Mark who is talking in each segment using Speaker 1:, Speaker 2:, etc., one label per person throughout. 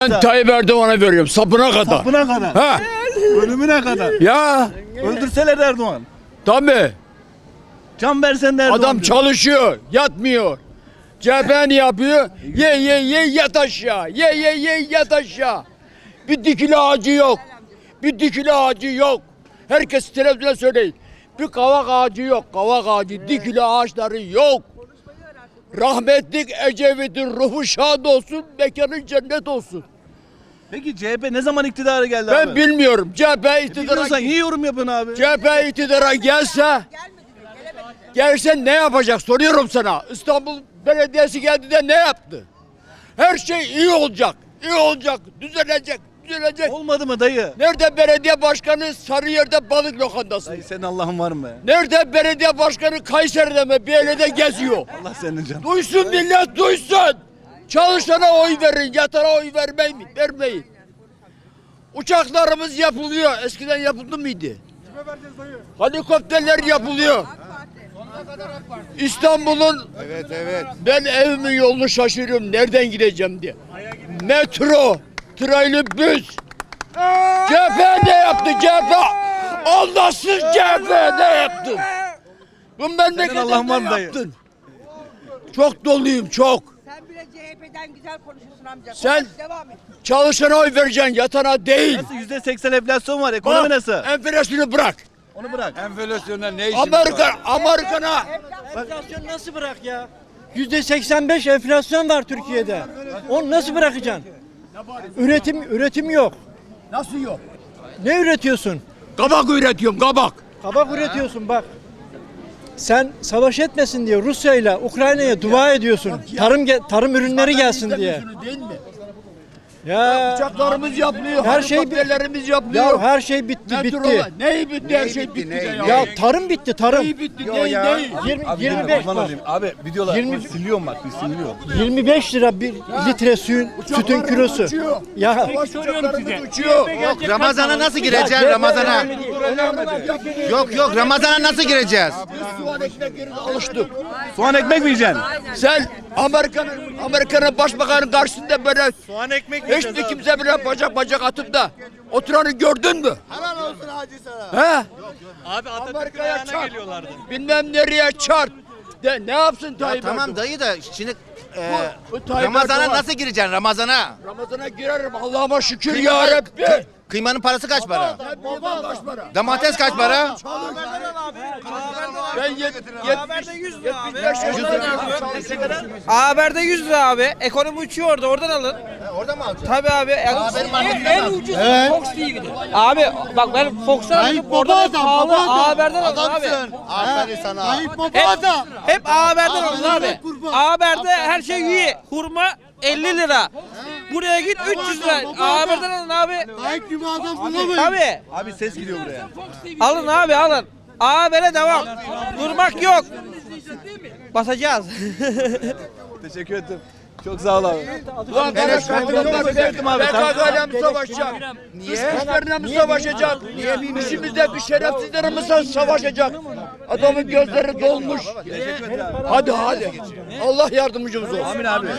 Speaker 1: Ben Tayyip Erdoğan'a veriyorum sapına kadar.
Speaker 2: Sapına kadar.
Speaker 1: Ha.
Speaker 2: Ölümüne kadar.
Speaker 1: Ya
Speaker 2: Öldürseler Erdoğan.
Speaker 1: tabii.
Speaker 2: Can versen de Erdoğan.
Speaker 1: Adam
Speaker 2: diyor.
Speaker 1: çalışıyor, yatmıyor. CHP ne yapıyor? Ye yat aşağı. Ye yat aşağı. Bir dikili ağacı yok. Bir dikili ağacı yok. Herkes televizyonda söyleyin. Bir kavak ağacı yok. Kavak ağacı, dikili ağaçları yok. Rahmetlik Ecevit'in ruhu şad olsun, mekanı cennet olsun.
Speaker 2: Peki CHP ne zaman iktidara geldi
Speaker 1: Ben
Speaker 2: abi?
Speaker 1: bilmiyorum. CHP iktidara
Speaker 2: Biliyorsan niye yorum yapıyorsun abi?
Speaker 1: CHP iktidara gelse ne yapacak soruyorum sana. İstanbul Belediyesi geldi de ne yaptı? Her şey iyi olacak. İyi olacak. Düzelecek.
Speaker 2: Olmadı mı dayı?
Speaker 1: Nerede belediye başkanı Sarıyer'de balık lokantası?
Speaker 2: Dayı senin Allah'ın var mı be?
Speaker 1: Nerede belediye başkanı Kayseri'de mi bir yerde geziyor?
Speaker 2: Allah senin canın.
Speaker 1: Duysun millet duysun. Çalışana oy verin, yatana oy vermeyin. Uçaklarımız yapılıyor. Eskiden yapıldı mıydı? Helikopterler yapılıyor. İstanbul'un ben evimin yolunu şaşırıyorum. Nereden gideceğim diye. Metro, trolleybüs. CHP ne yaptı CHP? Allahsız CHP ne yaptın? Bu memlekete
Speaker 2: Allah'ın var
Speaker 1: ne
Speaker 2: mı dayı?
Speaker 1: yaptın? Çok doluyum çok.
Speaker 3: Sen bile CHP'den güzel konuşuyorsun amca.
Speaker 1: Sen-
Speaker 3: Konuş, devam et.
Speaker 1: Çalışana oy vereceksin, yatana değil.
Speaker 2: Nasıl %80 enflasyon var, ekonomi nasıl?
Speaker 1: Enflasyonu bırak.
Speaker 2: Onu bırak.
Speaker 4: Enflasyonda ne işin var?
Speaker 1: Amerika'na
Speaker 5: Enflasyon nasıl bırak ya? %85 enflasyon var Türkiye'de. Onu nasıl bırakacaksın? Üretim yok.
Speaker 1: nasıl yok?
Speaker 5: Ne üretiyorsun?
Speaker 1: Kabak üretiyorum, kabak.
Speaker 5: Kabak üretiyorsun bak. Sen savaş etmesin diye Rusya ile Ukrayna'ya dua ediyorsun. Tarım ürünleri gelsin diye.
Speaker 1: Değil mi?
Speaker 5: Ya
Speaker 1: Uçaklarımız yapılıyor,
Speaker 5: Her şey
Speaker 1: helikopterlerimiz yapılıyor.
Speaker 5: ya her şey bitti.
Speaker 1: Neyi bitti? Her şey bitti.
Speaker 5: Ya tarım bitti, tarım.
Speaker 1: Neyi bitti? Neyi?
Speaker 5: 25
Speaker 2: Kurban
Speaker 5: bak.
Speaker 2: olayım. Abi videolar
Speaker 5: 20
Speaker 2: siliyorum bak, bir siliyorum.
Speaker 5: 25 lira bir litre sütün kilosu. Ya
Speaker 1: Uçuyor.
Speaker 4: Yok, Ramazan'a nasıl gireceksin Ramazan'a? Yok Ramazan'a nasıl gireceğiz?
Speaker 1: Soğan ekmek yerine alıştık.
Speaker 2: Soğan ekmek mi yiyeceksin?
Speaker 1: Sen Amerika'nın başbakanının karşısında böyle soğan ekmek hiçbir kimse bile bacak atıp da oturanı gördün mü? Helal olsun hacı sana. He? Abi Amerika'ya çarp. Bilmem nereye çarp. De ne yapsın Tayyip
Speaker 4: Tamam
Speaker 1: Erdoğan?
Speaker 4: dayı da şimdi
Speaker 1: Bu Tayyip
Speaker 4: Ramazan'a
Speaker 1: Erdoğan.
Speaker 4: nasıl gireceksin Ramazan'a?
Speaker 1: Ramazan'a girerim Allah'ıma şükür ya Rabbi.
Speaker 4: Kıymanın parası kaç para?
Speaker 1: Kaç para?
Speaker 4: Domates kaç para?
Speaker 1: Ben 100 lira abi.
Speaker 6: Haber'de 100 lira abi. Ekonomi uçuyor orada. Oradan alın.
Speaker 4: Orada mı alacaksın?
Speaker 6: Tabii abi. En ucuz Fox TV'de. Abi bak ben Fox'tan alıp oradan pahalı Haber'den alın abi.
Speaker 4: Aferin sana.
Speaker 6: Hep Haber'den alın abi. Haber'de her şey iyi. Hurma 50 lira. Buraya git 300 lira. Haber'den alın abi. Tabii.
Speaker 2: Abi ses gidiyor buraya.
Speaker 6: Alın abi alın. Haber'e devam. Durmak yok. Basacağız.
Speaker 2: Teşekkür ederim. Çok sağ ol abi.
Speaker 1: Ulan kardeş
Speaker 2: Sevdim abi.
Speaker 1: PKK'yla mı savaşacak? Dışkışlarla mı savaşacak? İçimizde bir şerefsizlerle mi savaşacak? Adamın gözleri dolmuş. Hadi. Allah yardımcımız olsun.
Speaker 2: Amin abi.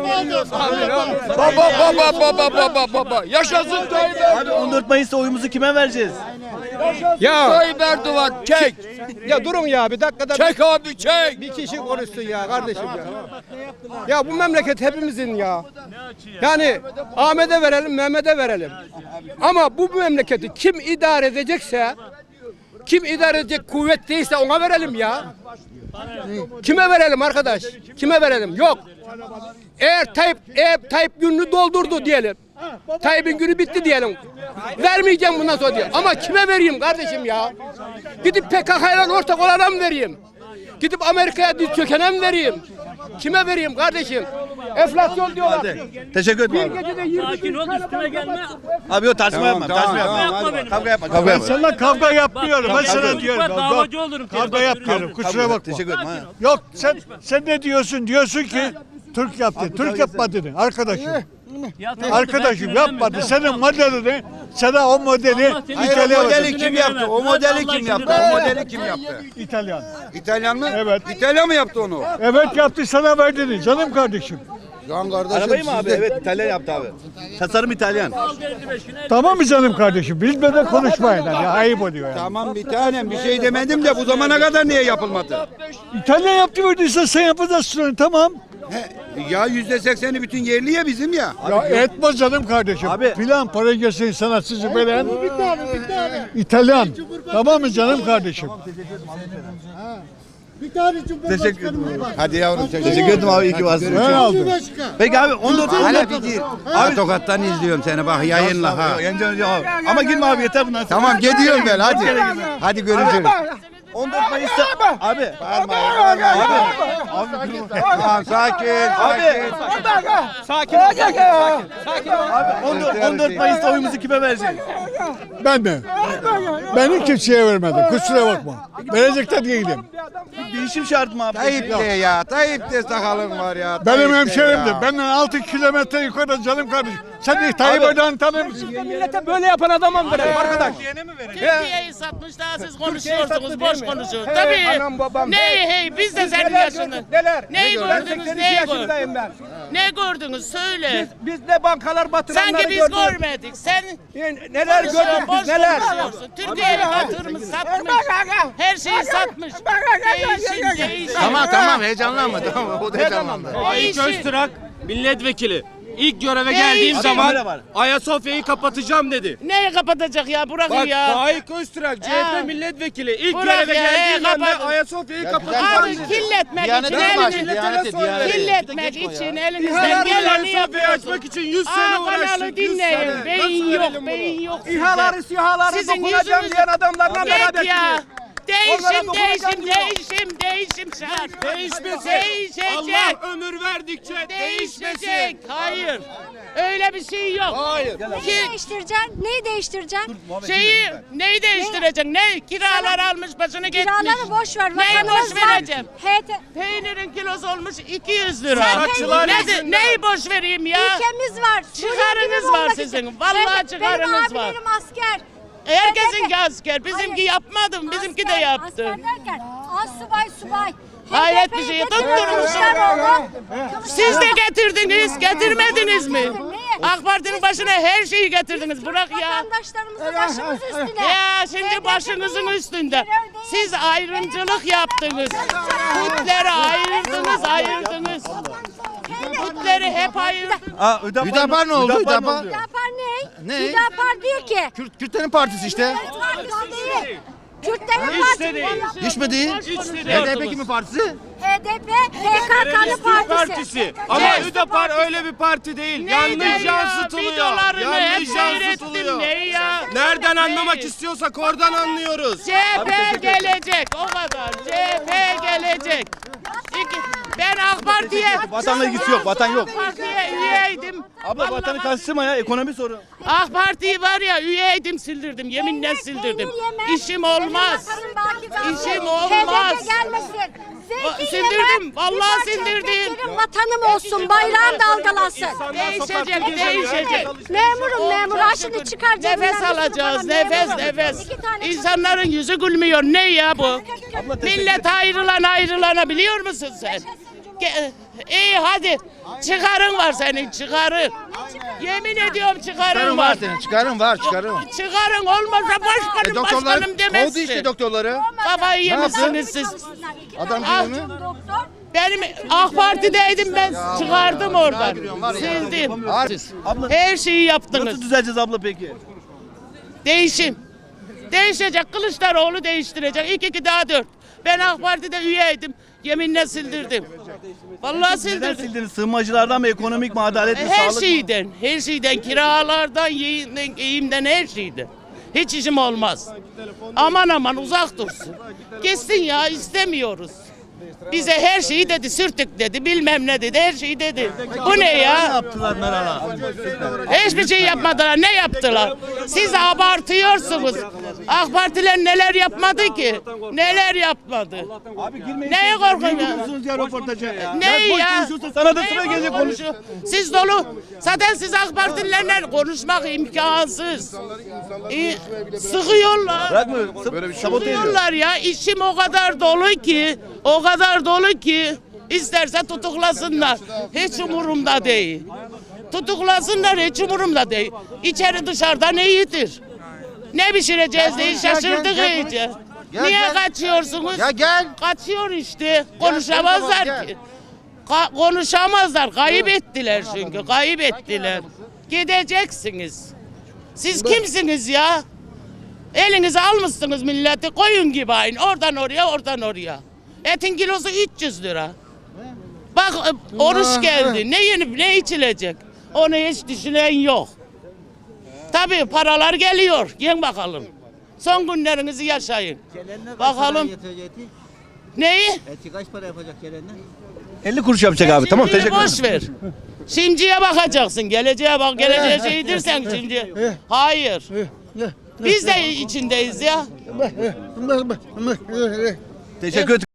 Speaker 1: Baba. Yaşasın Tayyip Erdoğan.
Speaker 2: Abi 14 Mayıs'ta oyumuzu kime vereceğiz?
Speaker 5: ya
Speaker 1: Tayyip Erdoğan çek.
Speaker 5: ya durun ya bir dakikada
Speaker 1: Çek abi çek.
Speaker 5: bir kişi konuşsun ya kardeşim ya. Ya bu memleket hepimizin ya. Yani Ahmet'e verelim, Mehmet'e verelim. Ama bu memleketi kim idare edecekse, kim idare edecek kuvvet değilse ona verelim ya. Kime verelim arkadaş? Kime verelim? Yok. Eğer Tayyip gününü doldurdu diyelim. Tayyip'in günü bitti diyelim. Vermeyeceğim bundan sonra diye. Ama kime vereyim kardeşim ya? Gidip PKK'yla ortak olana mı vereyim? Gidip Amerika'ya diz çökene mi vereyim? Kime vereyim kardeşim? Enflasyon diyorlar.
Speaker 2: Teşekkür
Speaker 5: Bir
Speaker 2: ederim abi.
Speaker 5: gecede 20
Speaker 2: Abi yok tartışma yapma. Tartışma yapma. Kavga yapma. Kavga yapma.
Speaker 7: Sana kavga yapmıyorum. Ben sana diyorum.
Speaker 8: Ben davacı olurum.
Speaker 7: Kavga yapmıyorum. Kusura bakma.
Speaker 2: Teşekkür ederim. ha.
Speaker 7: Yok sen ne diyorsun? Diyorsun ki Türk yaptı. Türk yapmadı. Arkadaşım. Arkadaşım yapmadı. Senin modelini, sana o modeli İtalyan.
Speaker 4: Modeli kim yaptı? O modeli kim yaptı? O modeli kim yaptı?
Speaker 7: İtalyan.
Speaker 4: İtalyan mı?
Speaker 7: Evet.
Speaker 4: İtalyan mı yaptı onu?
Speaker 7: Evet yaptı sana verdiğini canım kardeşim.
Speaker 4: Lan kardeşim
Speaker 2: Arabayı mı abi?
Speaker 4: sizde-
Speaker 2: Evet, İtalyan yaptı abi. Tasarım İtalyan.
Speaker 7: Tamam mı canım kardeşim? Bilmeden konuşmayın. Ya, ayıp oluyor yani.
Speaker 4: Tamam bir tanem bir şey demedim de bu zamana kadar niye yapılmadı?
Speaker 7: İtalyan yaptı verdiyse sen yapacaksın tamam.
Speaker 4: Ya %80'i bütün yerli ya bizim ya.
Speaker 7: Ya etmez canım kardeşim.
Speaker 2: Abi-
Speaker 7: Plan, para gelsin sanatçısı veren. İtalyan. Tamam mı canım kardeşim?
Speaker 2: Teşekkür ederim.
Speaker 4: Hadi yavrum
Speaker 2: Teşekkür ederim abi, iyi ki varsın.
Speaker 7: Ben aldım.
Speaker 2: Peki abi 14
Speaker 4: Hala bir gir. Abi Tokat'tan izliyorum seni bak yayınla ha.
Speaker 2: Abi. Ama girme abi, yeter bundan sonra.
Speaker 4: Tamam gidiyorum ben hadi. Hadi görüşürüz.
Speaker 2: 14 Mayıs'ta abi.
Speaker 4: Tamam sakin.
Speaker 2: Abi.
Speaker 5: Sakin ol. Sakin ol.
Speaker 2: Abi 14 Mayıs'ta oyumuzu kime vereceğiz?
Speaker 7: Ben mi? Ben hiç kimseye vermedim. Kusura bakma. Verecek de değilim.
Speaker 2: Değişim şart mı abi?
Speaker 4: Tayyip de ya. Tayyip de sakalın var ya.
Speaker 7: Benim
Speaker 4: Tayyip de
Speaker 7: hemşerimdir.
Speaker 4: ya.
Speaker 7: Benden 6 kilometre yukarıda canım kardeşim. Sen de Tayyip Erdoğan'ı tanır mısın?
Speaker 5: Millete böyle yapan adama mı verelim arkadaş?
Speaker 8: Türkiye'yi satmış daha siz konuşuyorsunuz,
Speaker 5: satmış
Speaker 8: boş
Speaker 5: değil mi?
Speaker 8: konuşuyorsunuz.
Speaker 5: Hey,
Speaker 8: Tabii.
Speaker 5: anam, babam,
Speaker 8: Ne hey biz de senin yaşında.
Speaker 5: Neler?
Speaker 8: Neyi
Speaker 5: Ben
Speaker 8: gördünüz,
Speaker 5: 82
Speaker 8: neyi gördünüz?
Speaker 5: yaşındayım ben.
Speaker 8: Ne gördünüz söyle.
Speaker 5: Biz ne bankalar batıranları
Speaker 8: Sanki biz
Speaker 5: gördük.
Speaker 8: görmedik. Sen
Speaker 5: Neler gördük
Speaker 8: boş
Speaker 5: biz neler?
Speaker 8: konuşuyorsun. Türkiye'yi batırmış, satmış. Her şeyi satmış. Değişim.
Speaker 4: Tamam heyecanlanma tamam o da heyecanlanma.
Speaker 6: Faik Öztürk milletvekili. İlk göreve
Speaker 8: Değişim.
Speaker 6: geldiğim
Speaker 2: Kamera
Speaker 6: zaman
Speaker 2: var.
Speaker 6: Ayasofya'yı kapatacağım dedi.
Speaker 8: Neyi kapatacak ya? Bırakın
Speaker 6: Bak
Speaker 8: ya.
Speaker 6: Faik Öztürk
Speaker 8: Ha.
Speaker 6: CHP milletvekili. İlk
Speaker 8: Bırak
Speaker 6: göreve
Speaker 8: ya,
Speaker 6: geldiğim anda
Speaker 8: kapatın.
Speaker 6: Ayasofya'yı kapatacağım
Speaker 8: Abi
Speaker 6: dedi.
Speaker 8: kirletmek
Speaker 4: Diyanet
Speaker 8: için
Speaker 4: mi var?
Speaker 8: elini.
Speaker 4: Diyanet.
Speaker 8: Kirletmek için elinizden
Speaker 6: Ayasofya'yı
Speaker 8: geleni yapıyorsunuz.
Speaker 6: açmak için 100 sene
Speaker 8: Kanalı
Speaker 6: uğraştık. 100
Speaker 8: dinleyin.
Speaker 6: sene.
Speaker 8: Beyin
Speaker 6: Nasıl
Speaker 8: yok,
Speaker 6: verelim
Speaker 8: beyin
Speaker 6: bunu?
Speaker 8: yok sizde.
Speaker 5: İHA'ları SİHA'ları
Speaker 8: Sizin
Speaker 5: dokunacağım
Speaker 8: yüzünüz-
Speaker 5: diyen adamlarla
Speaker 8: Git
Speaker 5: beraber
Speaker 8: ya.
Speaker 5: Onlara dokunacağım diyor.
Speaker 8: Değişim şart.
Speaker 6: Değişmesi.
Speaker 8: Değişecek.
Speaker 6: Allah ömür verdikçe
Speaker 8: Değişecek.
Speaker 6: değişmesi.
Speaker 8: Hayır. Öyle bir şey yok.
Speaker 6: Hayır.
Speaker 8: Ki
Speaker 9: Değiştireceksin? Neyi değiştireceksin?
Speaker 8: neyi değiştireceksin? Ne? Kiralar almış başını gitmiş.
Speaker 9: Kiraları boş ver.
Speaker 8: Neyi
Speaker 9: vatanımız
Speaker 8: boş
Speaker 9: var.
Speaker 8: vereceğim?
Speaker 9: Peynirin
Speaker 8: Peynirin kilosu olmuş 200 lira.
Speaker 6: Saççılar
Speaker 8: Neyi boş vereyim ya?
Speaker 9: ülkemiz var.
Speaker 8: Çıkarınız var sizin. Vallahi çıkarınız var.
Speaker 9: Benim abilerim asker.
Speaker 8: Herkesinki asker. Bizimki
Speaker 9: Hayır.
Speaker 8: yapmadım. Bizimki de
Speaker 9: Asker,
Speaker 8: yaptı.
Speaker 9: Asker derken subay.
Speaker 8: Hayret bir
Speaker 9: HDP'yi
Speaker 8: şey.
Speaker 9: getirdi
Speaker 8: Tutturmuşsun.
Speaker 9: Kılıçdaroğlu.
Speaker 8: Siz de getirdiniz. Getirmediniz mi?
Speaker 9: Neyi?
Speaker 8: AK Parti'nin başına her şeyi getirdiniz. Bırak ya.
Speaker 9: Vatandaşlarımızı başımız üstüne.
Speaker 8: Ya şimdi
Speaker 9: HDP'yi
Speaker 8: başınızın üstünde.
Speaker 9: terör değil.
Speaker 8: Siz ayrımcılık yaptınız. Kutleri ayırdınız. Kutleri hep ayırdınız.
Speaker 4: Hüdapar ne oldu Hüdapar?
Speaker 9: Hüdapar ne?
Speaker 4: Ne?
Speaker 9: Hüdapar diyor ki.
Speaker 4: Kürtlerin partisi işte.
Speaker 9: Partisi değil. Kürtlerin
Speaker 8: Hiç
Speaker 9: partisi.
Speaker 8: de değil.
Speaker 4: Hiç mi değil?
Speaker 8: Hiç de değil.
Speaker 4: HDP kimin partisi?
Speaker 9: HDP, PKK'nın
Speaker 6: Türk
Speaker 9: partisi.
Speaker 6: Partisi. Ama
Speaker 8: Evet.
Speaker 6: Hüdapar öyle bir parti değil.
Speaker 8: Neydi
Speaker 6: Yanlış
Speaker 8: ya?
Speaker 6: yansıtılıyor.
Speaker 8: Videolarını hep
Speaker 6: Yanlış
Speaker 8: seyrettim.
Speaker 6: yansıtılıyor.
Speaker 8: Ne ya?
Speaker 6: Nereden
Speaker 8: Ne?
Speaker 6: anlamak istiyorsak oradan anlıyoruz.
Speaker 8: CHP gelecek o kadar. CHP gelecek. Ben AK Parti'ye
Speaker 2: Vatanla ilgisi yok, vatan yok.
Speaker 8: AK Parti'ye üyeydim.
Speaker 2: Abla vatanı
Speaker 8: Vallahi
Speaker 2: karıştırma ya, ekonomi soru.
Speaker 8: AK Parti'yi var ya üyeydim sildirdim. Yeminle sildirdim. İşim olmaz. İşim olmaz.
Speaker 9: HDP gelmesin. Zeytin
Speaker 8: Sildirdim,
Speaker 9: yemem,
Speaker 8: vallahi
Speaker 9: bir parça
Speaker 8: sildirdim.
Speaker 9: ekmek vatanım olsun, bayrağım dalgalasın.
Speaker 8: Değişecek, değişecek.
Speaker 9: Memur. Ha şimdi çıkar cebinden
Speaker 8: Nefes
Speaker 9: bir sürü
Speaker 8: alacağız,
Speaker 9: para,
Speaker 8: nefes,
Speaker 9: memur.
Speaker 8: nefes.
Speaker 9: 2 tane
Speaker 8: İnsanların yüzü gülmüyor. Ne ya bu? Millet ayrılana biliyor musun sen? İyi hadi. Çıkarın var senin, çıkarın. Yemin ediyorum çıkarın var.
Speaker 4: Çıkarın var.
Speaker 8: Çıkarın olmazsa başkanım başkanım
Speaker 4: Kovdu
Speaker 8: demezsin.
Speaker 4: işte doktorları.
Speaker 8: Kafayı yemişsiniz siz.
Speaker 4: Adam
Speaker 8: Ah,
Speaker 4: gibi mi?
Speaker 9: Doktor.
Speaker 8: Benim AK Parti'deydim ben çıkardım oradan. Sildim.
Speaker 2: Abla
Speaker 8: Her şeyi yaptınız.
Speaker 2: nasıl düzeleceğiz abla peki?
Speaker 8: Değişim. Değişecek. Kılıçdaroğlu değiştirecek. 2 daha 4. Ben AK Parti'de üyeydim. Yeminle sildirdim. Vallahi
Speaker 2: Neden
Speaker 8: sildirdim.
Speaker 2: sildiniz? Sığınmacılardan mı, ekonomik mi, adalet mi,
Speaker 8: Her
Speaker 2: sağlık mı?
Speaker 8: her şeyden, kiralardan, yiyimden, her şeyden. Hiç işim olmaz. Aman uzak dursun. Gitsin ya istemiyoruz. Bize her şeyi dedi, sürtük dedi, bilmem ne dedi, her şeyi dedi. Bu ne
Speaker 2: Ne
Speaker 8: ya?
Speaker 2: yaptılar Meral'a?
Speaker 8: Hiçbir şey yapmadılar. Ne yaptılar? Siz abartıyorsunuz. AK Partiler neler yapmadı ki? Neler yapmadı?
Speaker 2: Abi girmeyin.
Speaker 8: Neye korkuyorsun ya?
Speaker 2: Gidiyorsunuz ya röportaja.
Speaker 8: Ne
Speaker 2: boş
Speaker 8: ya?
Speaker 2: konuşuyorsun, sana da
Speaker 8: Neyi
Speaker 2: sıra
Speaker 8: boş
Speaker 2: gelecek konuş.
Speaker 8: konuşuyor? Siz dolu. Zaten siz AK Partililerle konuşmak imkansız. Sıkıyorlar.
Speaker 2: Bırakmıyor. Sabote ediyor.
Speaker 8: Sıkıyorlar ya. İşim o kadar dolu ki. İsterse tutuklasınlar. Hiç umurumda değil. Tutuklasınlar, hiç umurumda değil. İçeri dışarıdan iyidir. Ne pişireceğiz diye şaşırdık iyice. Niye kaçıyorsunuz?
Speaker 4: Ya gel.
Speaker 8: Kaçıyor işte. Konuşamazlar
Speaker 4: gel.
Speaker 8: ki. Konuşamazlar. Kayıp ettiler çünkü. Kayıp ettiler. Gideceksiniz. Siz kimsiniz ya? Elinize almışsınız milleti koyun gibi aynı. Oradan oraya, oradan oraya. Etin kilosu 300 lira. Bak oruç geldi. Ne yenip ne içilecek? Onu hiç düşünen yok. Tabii paralar geliyor. Yiyin bakalım. Son günlerinizi yaşayın. Bakalım. Neyi?
Speaker 2: Eti kaç para yapacak gelenler? 50 kuruş yapacak abi. Tamam,
Speaker 8: Şimdiyi
Speaker 2: teşekkür
Speaker 8: boş ver. Şimdiye bakacaksın. Geleceğe bak. Geleceğe şeydir sen şimdi. Hayır. Biz de içindeyiz ya.
Speaker 2: Teşekkür ederim.